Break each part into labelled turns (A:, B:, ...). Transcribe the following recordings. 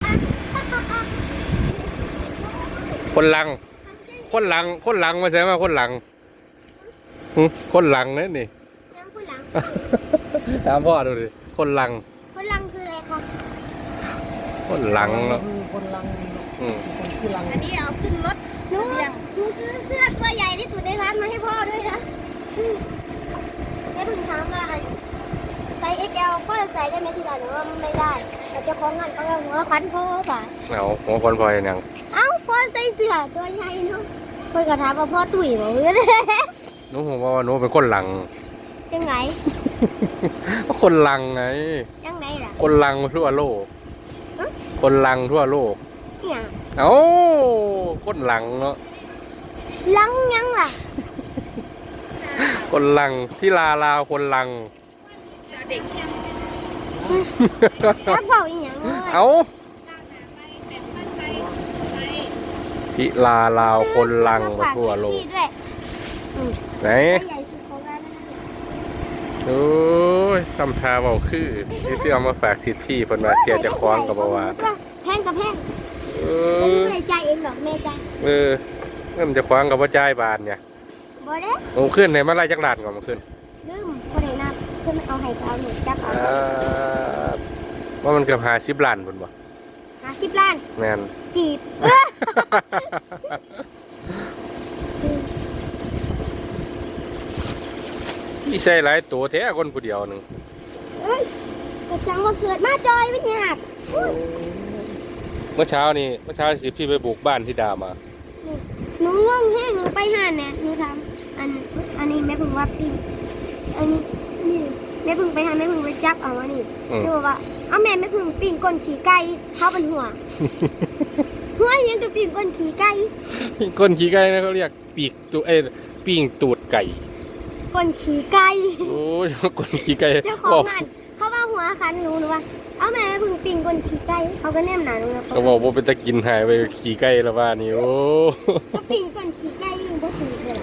A: คนลังมาใช่ไหมคนลังคนลังนั่นนี่
B: ยังคนหลัง
A: ถามพ่อดูดิคนลัง
B: คนหลังคืออะไรครับ
A: คนลังเนาะ
C: คนลัง
B: อันนี้เอาขึ้นรถหนูซื้อเสื้อตัวใหญ่ที่สุดในร้านมาให้พ่อด้วยนะแม่เพิ่งถามว่าไซส์ XL พ่อจะใส่ได้ไหมที่ร้านหรือว่าไม่ได้แต่เจ้าของงานเขาเอาหัวควันพ่อป่ะ
A: เอาหัวคนพลอยยัง
B: เอ้าพ่อใส่เสื้อตัวใหญ่เนาะพ่อก็ถามว่าพ่อตุ๋ยมั้ง
A: หนูบอกว่าหนูเป็นคนลัง
B: ยังไง
A: ก็คนลังไง
B: ยังไงล่ะ
A: คนลังทั่วโลก คนลังทั่วโลก
B: เนี่ย
A: เอ้าคนลังเนาะ
B: ลังยังล่ะ
A: คนลังที่ลาวคนลัง
B: ถ้าบอกอีกอย่างเลย
A: เอ้าที่ลาวคนลังมาทั่วโลก
B: ด้วย
A: ไหน
B: ใหญ่สุดของร้านนะคะ
A: โอ้ยทำทาเบาคือที่เสื้อเอามาฝากสิทธิ์ที่เพิ่นว่าเสียจะคล้องกับบ่ว่า
B: แพงกับแพง
A: เอ
B: ไม่
A: อ
B: ได้ใจายเองหรอกแม่ใจาย
A: เริ่มจะคว้างกับว่าจ่ายบาทเนี่ย
B: บ่ได้
A: โอ้ขึ้นเนี่ยมาไล่จักรลานก่อนมาขึ้น
B: ลืมคนไหนนับเพื่อนเอาให้เขาหนูจับเอา
A: ว่ามันเกือบ50 ล้านพุ่นบ่
B: 50 ล้าน
A: แม่น
B: จีบ
A: พี่ใส่หลายตัวแท้คนผู้เดียวหนึง
B: เอ้ยกระจังว่าเกิดมาจอยไม่ยาก
A: เมื่อเช้าสิพี่ไปบุกบ้านที่ดามา
B: หนูงงแห้งหนูไปหาเนี่ยหนูทำอันนี้แม่เพึ่งว่าปิ้งอันนี้นี่แม่เพึ่งไปหาแม่เพึ่งไปจับเอาอันนี้หนูบอกว่าเอาแม่เพึ่งปิ้งก้นขี่ไก่เข้าเป็นหัว หัวยังกับปิ้งก้นขี่ไก่
A: ก้นขี้ไก่นะเขาเรียกปีกตูปิ้งตูดไก่
B: ก้นขี่ไก่
A: โอ้ยก้นขี้ไก่
B: เจ้าของงานเขาว่าหัวคันหนูว่าเอาแม่เพึ่งปิ้งก้นขี่ไก่เขาก็แนมหนาหนูแล้ว
A: เขาบอกว่าเป็นตะกินหายไปขี้ไก่แล้วว่านี่โอ้
B: ก็ปิ้งก้นขี่ไก่อยู่บ่ถือเลย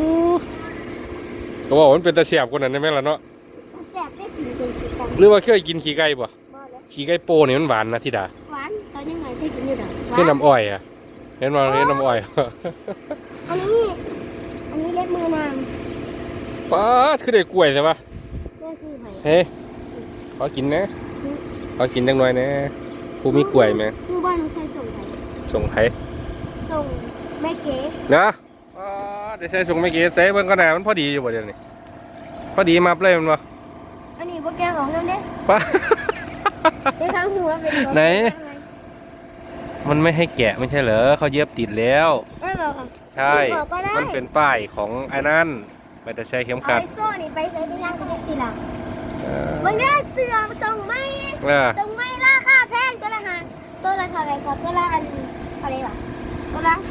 A: เขาบอกว่ามันเป็นตะเสียบคนนั้นได้ไหมล่ะเนาะ
B: แซ่บได้ปิ้งก้นขี่ไก่
A: หรือว่าเคยกินขี้ไก่ป่ะ
B: บ่แล้ว
A: ขี้ไก่โปนี่มันหวานนะที่ดา
B: หวานตอนนี้ไงที่กินอยู่ดอกหวา
A: คือน้ำอ้อยอ่ะเห็นว่าเห็นน้ำอ้อย
B: อันนี้เล็บมือนาง
A: ป๊าดคือได้กล้วยใช่ปะ
B: แม่ซื้อให้
A: เฮ้ยขอกินนะขอกินจังหน่อยนะผู้มีกล้วยไหม
B: หนูบ้านหนูใส่ส่งไป
A: ส่งไผ
B: ส่งแม่เก๋
A: นะป๊าดได้ใช้ส่งไม่กี่ใส่เบิ่งก็ได้มันพอดีอยู่บ่เดี๋ยวนี้พอดีมาเลยมันบ่
B: อันนี้พวกแกของน้ำเด้
A: ป๊า
B: ได้ทั้งหัวเป็น
A: ไหน มันไม่ให้แกะไม่ใช่เหรอเขาเย็บติดแล้ว
B: ไม่บอกค่ะ
A: ใช่
B: บอกก็ได้
A: มันเป็นป้ายของไอ้นั่นไม่ได้ใช้เข็ม
B: เอา
A: ขัด
B: ไอ้โซ่นี่ไปใส่ที่ย่างก็ได้สิล่ะ
A: เออ
B: มันได้เสือส่งไหม
A: เออ
B: ส่งไหมราคาแพงตัวละตัวละเท่าไหร่ครับตัวละอะไรวะตัวละ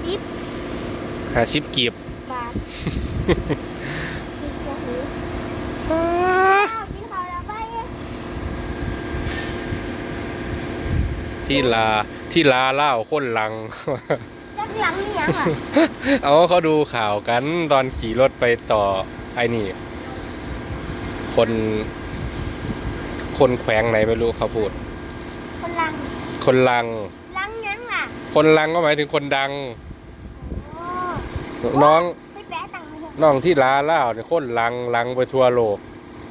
A: 50กีบบ
B: าทกินข้าวแล้วไป
A: ที่ลาเล่าคนหลัง
B: จักหลังนี่ยังอ่ะ
A: เอาเขาดูข่าวกันตอนขี่รถไปต่อไอ้นี่ คนแขวงไหนไม่รู้เขาพูด
B: คนหลัง
A: คนลัง
B: หลังยังล่ะ
A: คนลังก็หมายถึงคนดัง
B: โอ้
A: น้อง
B: ไปแปะตังค์มาเถอะ
A: น้องที่ลาเล่าเนี่ยคนลังไปทั่วโลก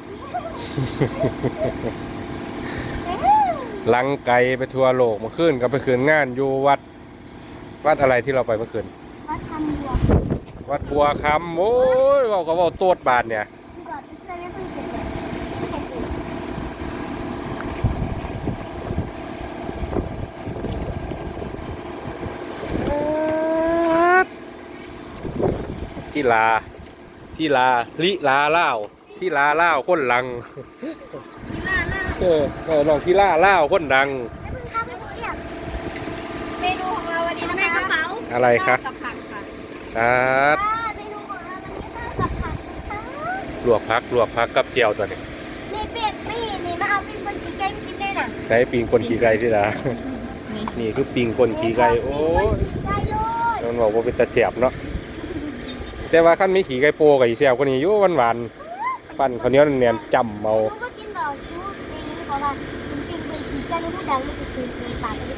A: ลังไกลไปทั่วโลกเมื่อคืนก็ไปคืนงานอยู่วัดอะไรที่เราไปเมื่อคืน
B: วัดคำบัว
A: วัดบัวคำโอ้ยเราก็บอกโตดบาทเนี่ย
B: ดีกว่าที่เคยไม่เคยเก็บเลยไม่เคยเก็บ
A: ที่ลาลิลาเล่าที่ลาเล่าคนลังน้องที่ลาเล่าคนดัง
B: ไม่เพิ่งเข้าไปเรียก
D: เมนูของเราวันนี้นะคะกระเป๋า
A: อะไรคะ
D: กับผักค่ะ
B: เมนูของเราวันนี้ข้าวกับผักนะคะ
A: ลวกพักกับเจียวตัวนี้
B: นี่เปียกนี่มาเอาปิ้งคนชีไก่กินได้น่ะ
A: ใช้ปิงคนขี่ไก่ที่ลานี่คือปิงคนขี่ไก่โอ้ย
B: ไก่เลย
A: มันบอกว่าเป็นตะเสียบเนาะแต่ว่าขั้นมีขี่ไก่โปกับอีเสียบคนนี้อยู่หวานปั้นข้าวเหนียวเนียนๆจำเอา
B: หนูก็กินดอกชูนี่เพราะว่าปิ้งคนชีไก่นี่ผู้ดังนี่คือปิ้งปาก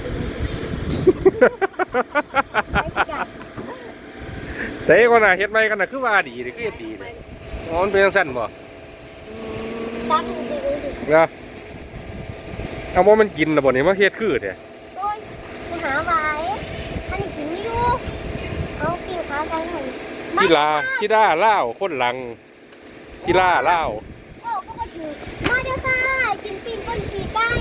A: ใส่คนน่ะเฮ็ดใหม่กันน่ะคือว่าดีนี่คือเฮ็ดดีนี่อ๋อมันเป็นจังซั่นบ่
B: ตั้งดีเลยดิ
A: เนาะเอาบ่มันกินน่ะบ่นี่มาเฮ็ดคือแท้
B: โดยไปหาไว้อันนี้กินไม่รู้เอากินขาไก่หน่อย
A: กีฬาลาวคนหลังกีฬาลาว
B: โอ้ก็มาถือมาเด้อค่ะกินปิ้งก้นขี่ไก่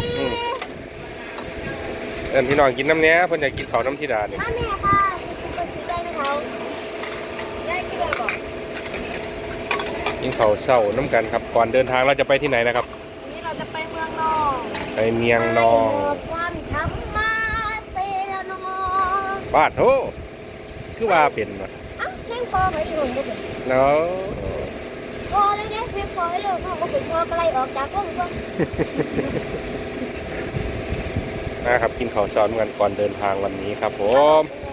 A: เอิ้นพี่น้องกินน้ำเนี้ยเพิ่นอยากกินข้าวน้ำธิดานี่
B: มาแม่ค่ะกินปิ้งก้นขี่ไก่นะเขายายกินอะไรก่อน
A: กินข้าวเช้าน้ำกันครับก่อนเดินทางเราจะไปที่ไหนนะครับ
D: วันนี้เราจะไปเมืองนอง
A: ไปเมียงนอง
B: ความช้ำมาเซละนอง
A: บ้านโธ่คือว่าเป็นว่ะ
B: เอ้าเพลงพอไปอยู่บ่เป็น
A: เนาะ
B: พอเลยเนี่ยเพลงพอให้เลยพ่อก็เป็นพ่อก็ไล่ออกจากห้องก็
A: นะครับกินข้าวเช้าน้ำกันก่อนเดินทางวันนี้ครับผม
B: เอ